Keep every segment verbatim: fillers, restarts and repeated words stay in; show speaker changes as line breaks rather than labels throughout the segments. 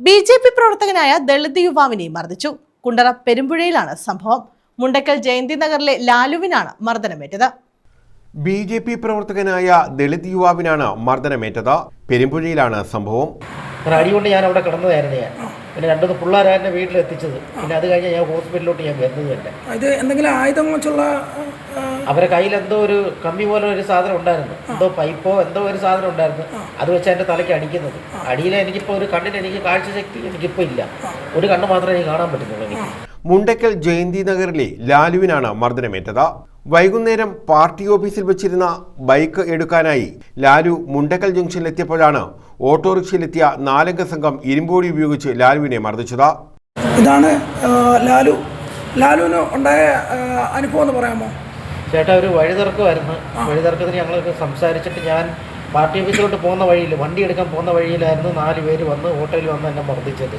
B J P പ്രവർത്തകനായ ദളിത് യുവാവിനെ മർദ്ദിച്ചു. കുണ്ടറ പെരുമ്പുഴയിലാണ് സംഭവം. മുണ്ടക്കൽ ജയന്തി നഗറിലെ ലാലുവിനാണ് മർദ്ദനമേറ്റത്.
ബി ജെ പി പ്രവർത്തകനായ ദളിത് യുവാവിനാണ് മർദ്ദനമേറ്റത്. പെരുമ്പുഴയിലാണ് സംഭവം.
അടികൊണ്ട് ഞാൻ അവിടെ കിടന്നതായിരുന്നു. ഞാൻ പിന്നെ രണ്ടു പിള്ളേരെ എന്നെ വീട്ടിലെത്തിച്ചത്. പിന്നെ അത് കഴിഞ്ഞ് ഞാൻ ഹോസ്പിറ്റലിലോട്ട് ഞാൻ വരുന്നത് തന്നെ.
ഇത് എന്തെങ്കിലും ആയുധം വെച്ചുള്ള
അവരെ കയ്യിൽ എന്തോ ഒരു കമ്പി പോലെ ഒരു സാധനം ഉണ്ടായിരുന്നു, എന്തോ പൈപ്പോ എന്തോ ഒരു സാധനം ഉണ്ടായിരുന്നു. അത് വെച്ച് എൻ്റെ തലയ്ക്ക് അടിക്കുന്നത്. അടിയിൽ എനിക്കിപ്പോൾ ഒരു കണ്ണിന് എനിക്ക് കാഴ്ചശക്തി എനിക്കിപ്പോൾ ഇല്ല. ഒരു കണ്ണ് മാത്രമേ എനിക്ക് കാണാൻ പറ്റുന്നുള്ളൂ. എനിക്ക്
മുണ്ടക്കൽ ജയന്തി നഗറിലെ ലാലുവിനാണ് മർദ്ദനമേറ്റത്. വൈകുന്നേരം പാർട്ടി ഓഫീസിൽ വെച്ചിരുന്ന ബൈക്ക് എടുക്കാനായി ലാലു മുണ്ടക്കൽ ജംഗ്ഷനിലെത്തിയപ്പോഴാണ് ഓട്ടോറിക്ഷയിലെത്തിയ നാലംഗ സംഘം ഇരുമ്പോടി ഉപയോഗിച്ച് ലാലുവിനെ മർദ്ദിച്ചത്.
ഇതാണ് ലാലു ലാലുവിന് ഉണ്ടായ അനുഭവം എന്ന് പറയാമോ?
ചേട്ടാ, ഒരു വഴിതിറക്കമായിരുന്നു. വഴിതിറക്കത്തിന് ഞങ്ങളൊക്കെ സംസാരിച്ചിട്ട് ഞാൻ പാർട്ടി ഓഫീസിലോട്ട് പോകുന്ന വഴിയിൽ, വണ്ടി എടുക്കാൻ പോകുന്ന വഴിയിലായിരുന്നു നാല് പേര് വന്ന് ഓട്ടോയിൽ വന്ന് എന്നെ മർദ്ദിച്ചത്.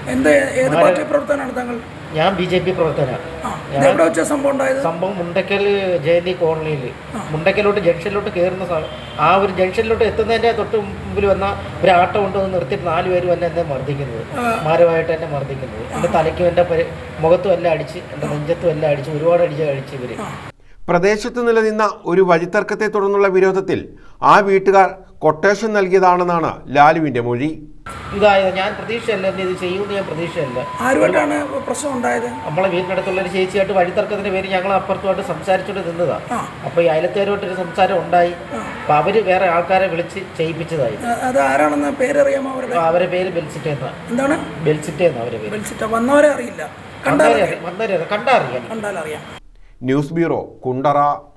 ഞാൻ ബി ജെ പി പ്രവർത്തകനാണ്. സംഭവം മുണ്ടക്കൽ ജയന്തി കോളനിയിൽ, മുണ്ടക്കലോട്ട് ജംഗ്ഷനിലോട്ട് കയറുന്ന ആ ഒരു ജംഗ്ഷനിലോട്ട് എത്തുന്നതിൻ്റെ തൊട്ട് മുമ്പിൽ വന്ന ഒരു ആട്ടോ കൊണ്ടുവന്ന് നിർത്തിയിട്ട് നാല് പേര് വന്ന് എന്നെ മർദ്ദിക്കുന്നത്, മാരമായിട്ട് എന്നെ മർദ്ദിക്കുന്നത്. എൻ്റെ തലയ്ക്കും എൻ്റെ മുഖത്തും എല്ലാം അടിച്ച്, എൻ്റെ നെഞ്ചത്തും എല്ലാം അടിച്ച്, ഒരുപാട് അടിച്ച് കഴിച്ച് ഇവർ.
പ്രദേശത്ത് നിലനിന്ന ഒരു വഴിത്തർക്കത്തെ തുടർന്നുള്ള വിരോധത്തിൽ ആ വീട്ടുകാർ കൊട്ടേഷൻ നൽകിയതാണെന്നാണ് ലാലുവിന്റെ മൊഴി.
ഇതായത് ഞാൻ പ്രതീക്ഷയല്ല, എന്നെ ഇത് ചെയ്യുമെന്ന് ഞാൻ പ്രതീക്ഷയല്ല.
ആരുമായിട്ടാണ് പ്രശ്നം ഉണ്ടായത്?
നമ്മളെ വീടിനടുത്തുള്ള ഒരു ചേച്ചിയായിട്ട് വഴിത്തർക്കത്തിന്റെ പേര് ഞങ്ങൾ അപ്പുറത്തുമായിട്ട് സംസാരിച്ചുകൊണ്ട് നിന്നതാണ്. അപ്പൊ ഈ അയലത്തേരുമായിട്ടൊരു സംസാരം ഉണ്ടായി. അപ്പൊ അവര് വേറെ ആൾക്കാരെ വിളിച്ച് ചെയ്യിപ്പിച്ചതായി.
അത് ആരാണെന്ന് പേരറിയാമോ?
അവരെ പേര് ബെൽസിറ്റേ എന്നാ.
എന്താണ്
ബെൽസിറ്റേ എന്നാ അവരെ പേര്.
വന്നവരെ അറിയില്ല,
കണ്ടറിയാം.
കണ്ടാലറിയാം.
News bureau, Kundara.